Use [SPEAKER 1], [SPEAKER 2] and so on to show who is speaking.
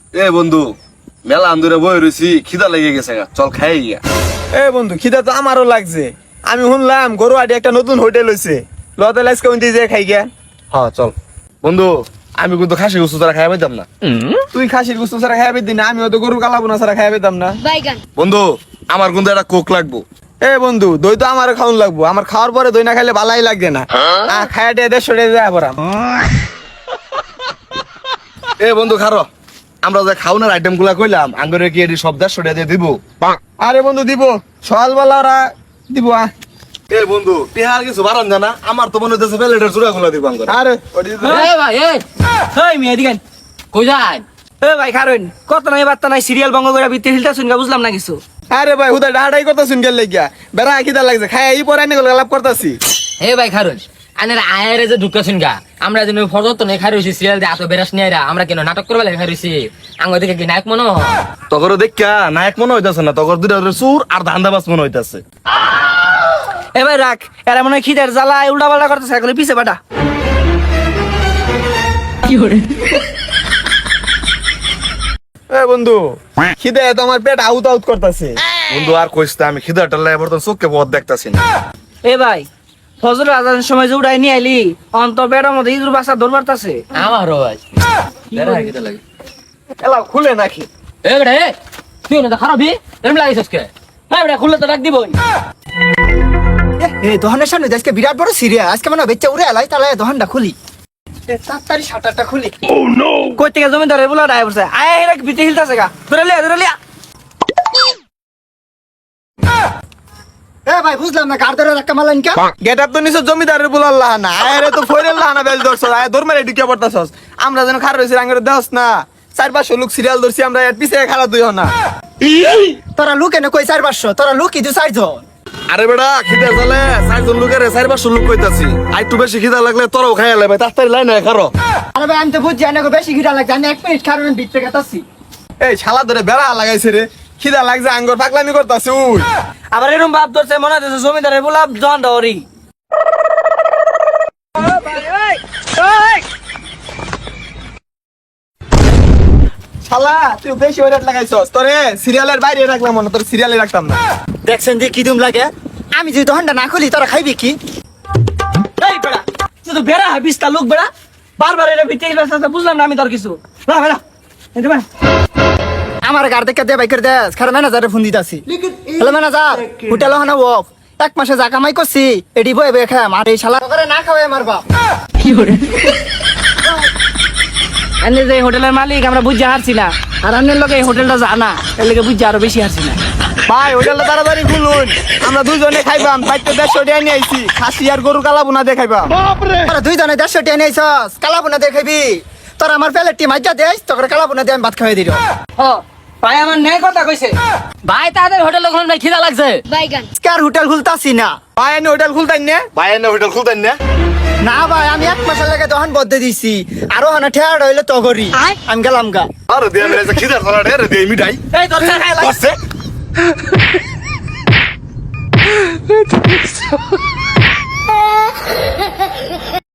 [SPEAKER 1] এ বন্ধু মেলা আন্দুরে বই রয়েছি, খিদা লেগে গেছে গা, চল খাই গিয়া।
[SPEAKER 2] এ বন্ধু খিদা তো আমারও লাগছে। আমি শুনলাম গরুয়াটি একটা নতুন হোটেল হয়েছে, লতে লাইস কোন দিয়ে খাই গিয়া।
[SPEAKER 1] হ্যাঁ চল বন্ধু, আমি কিন্তু খাসি গুস্তু তারা খাই পাইতাম না।
[SPEAKER 2] তুই খাসির গুস্ত ছাড়া খাই পেতি না, আমি হয়তো গরু কালাবোনা ছাড়া খাই পেতাম না।
[SPEAKER 1] বন্ধু আমার কিন্তু একটা কোক লাগবো।
[SPEAKER 2] এ বন্ধু দই তো আমারও খাওয়ান লাগবো, আমার খাওয়ার পরে দই না খাইলে ভালাই লাগবে না। খাইয়া দিয়ে 150 টাকা যায় পরাম।
[SPEAKER 1] এ বন্ধু খারো, আমরা যে খাওয়ানোর আইটেম গুলা কইলাম আঙ্গুরে কি এটি সব 150 টাকা দিয়ে দিব?
[SPEAKER 2] আরে বন্ধু দিব, সকালবেলা ওরা দিব।
[SPEAKER 1] এ বন্ধু টিহার কিছু বাড়ান জানা, আমার তো মনে হচ্ছে প্লেটের চূড়া গুলা দিব আঙ্গুরে।
[SPEAKER 2] আরে
[SPEAKER 3] ভাই মেয়ে দিকেন কই যায়? ভাই কারণ কত নাই বার্তা নাই, সিরিয়াল বঙ্গ করে বিতে হিলটা শুনগা বুঝলাম না কিছু।
[SPEAKER 2] আরে ভাই হুদা ডাহাডাই করতে শুন গেল লাগিয়া, বেড়া খিদা লাগছে, খাই এই পরে আনি লাভ করতেছি।
[SPEAKER 3] ভাই খারুন আনের আয়ের যে ঢুকা শুনগা, আমরা যেন ফরত তো নেই খাই রইছি সিরিয়াল দিয়ে এত বেরাস নিয়ে আমরা কেন নাটক করবে লাগে খাই রইছি। আঙ্গ দিকে কি নায়ক মনে হয়?
[SPEAKER 1] তগর দেখা নায়ক মনে হইতাছে না, তগর দুইটা চুর আর ধান্দাবাজ মনে হইতাছে।
[SPEAKER 3] ভাই রাখ, এরা মনে হয় খিদের জ্বালায় উল্টা পাল্টা করতেছে, এখন পিছে বাটা কি করে।
[SPEAKER 2] এ বন্ধু খিদে তো আমার পেট আউট আউট করতেছে।
[SPEAKER 1] বন্ধু আর কইস না, আমি খিদাটা লাগে বর্তমান চোখকে পথ দেখতাছি না।
[SPEAKER 3] ভাই ফজর আজানের সময় যে উড়াই নিয়ে আইলি অন্ত বেড়ার মধ্যে ইঁদুর বাসা দৌড় মারতাছে আমারও ভাই।
[SPEAKER 2] এলা খুলে নাকি?
[SPEAKER 3] তুই না খারাপি এরম লাগিস কে? খুললে তো ডাক দিবই।
[SPEAKER 4] এই দোকানের সামনে আজকে বিরাট বড় সিরিয়াল, আজকে মানে বেচা উড়ে এলাই, তাহলে দোকানটা খুলি, তাড়াতাড়ি শাটারটা খুলি।
[SPEAKER 3] কই থেকে জমিদারের বলা ডাই পড়ছে, আয় এরা বিতে হিলতাছে গা, ধরে লিয়া।
[SPEAKER 4] এ ভাই বুঝলাম না, কার ধরে ধাক্কা মারলেন কে?
[SPEAKER 2] গেট আপ তো নিছো জমিদারের বলার লাহানা, আরে তো ফয়রের লাহানা বেল ধরছ, আয় দৌড় মারে ঢুকে পড়তাছস। আমরা যেন খার রইছি আঙ্গুরে দেহস না, 4-500 লোক সিরিয়াল ধরছি আমরা, এর পিছে খালা তুই না।
[SPEAKER 4] তোরা লুক এনে কই 4-500, তোরা লুক কি 2-4 জন?
[SPEAKER 1] আরে বেটা খিদা চলে 4 জন লোকের 4-500 লোক কইতাছি, আর একটু বেশি খিদা লাগলে তোরাও খাইয়া লাই ভাই, তাড়াতাড়ি লাইন হয় খারো।
[SPEAKER 4] আরে ভাই আমি তো বুঝছি এনে বেশি খিদা লাগছে, আমি 1 মিনিট কারণে ভিতরে গেতাছি।
[SPEAKER 2] এই শালা ধরে বেড়া লাগাইছে রে, খিদা লাগছে আঙ্গুর পাগলামি করতাছে। উই
[SPEAKER 3] আবার এরকম ভাব ধরছে মনে হচ্ছে জমিদারের বলা জন দৌড়ি।
[SPEAKER 2] শালা তুই বেশি ওইরাট লাগাইছস, তোরে সিরিয়ালের বাইরে রাখলাম না, তোর সিরিয়ালে রাখতাম না।
[SPEAKER 4] দেখছেন যে কি দুম লাগে, আমি যদি দোকানটা না খুলি তোরা খাইবি কি?
[SPEAKER 3] এই বেড়া তুই তো বেড়া বিস্তা লোক বেড়া, বারবার এটা বিতে হিলতাছে, বুঝলাম না আমি তোর কিছু। বেড়া এই বেড়া
[SPEAKER 4] আমার গার দেখে দে বাইকের দেশ, খারাপ ম্যানেজারে ফোন দিতাছি। হ্যালো ম্যানেজার, হোটেল হানা অফ, 1 মাসে যা কামাই করছি এডি বয়ে বয়ে খাম, আর এই শালা করে না খাওয়াই আমার বাপ।
[SPEAKER 3] কি করে এনে যে হোটেলের মালিক আমরা বুঝতে হারছি না, আর আন্নের লোক এই হোটেলটা জানা, এর লোকে বুঝতে আরো বেশি হারছি না।
[SPEAKER 2] ভাই হোটেলটা তাড়াতাড়ি খুলুন, আমরা দুজনে খাইবাম, বাইতে 150 টাকা নিয়ে আইছি, খাসি আর গরু কালাবোনা দিয়ে খাইবাম।
[SPEAKER 4] তোরা 2 জনে 150 টাকা নিয়েছস, কালাবোনা দিয়ে খাইবি? তোরা আমার প্লেটটি মাইজা দেস, তোকে কালাবোনা দিয়ে আমি ভাত খাওয়াই দিল।
[SPEAKER 3] ভাই আমার ন্যায় কথা কইছে, ভাই তাদের হোটেল ওখানে ভাই খিদা লাগছে।
[SPEAKER 4] কার হোটেল খুলতাছি না
[SPEAKER 2] ভাই আমি হোটেল খুলতাই না,
[SPEAKER 1] ভাই এনে হোটেল খুলতেন না?
[SPEAKER 4] না ভাই, আমি 1 মাসের লাগে দোকান বদ্ধ দিছি, আরো হানা ঠেয়ার হইলে তগরি, আমি গেলাম গা।
[SPEAKER 1] আরে দিয়ে আমি খিদা চলা রে দিয়ে মিঠাই
[SPEAKER 3] এই তোর খাই লাগছে।
[SPEAKER 1] আছে।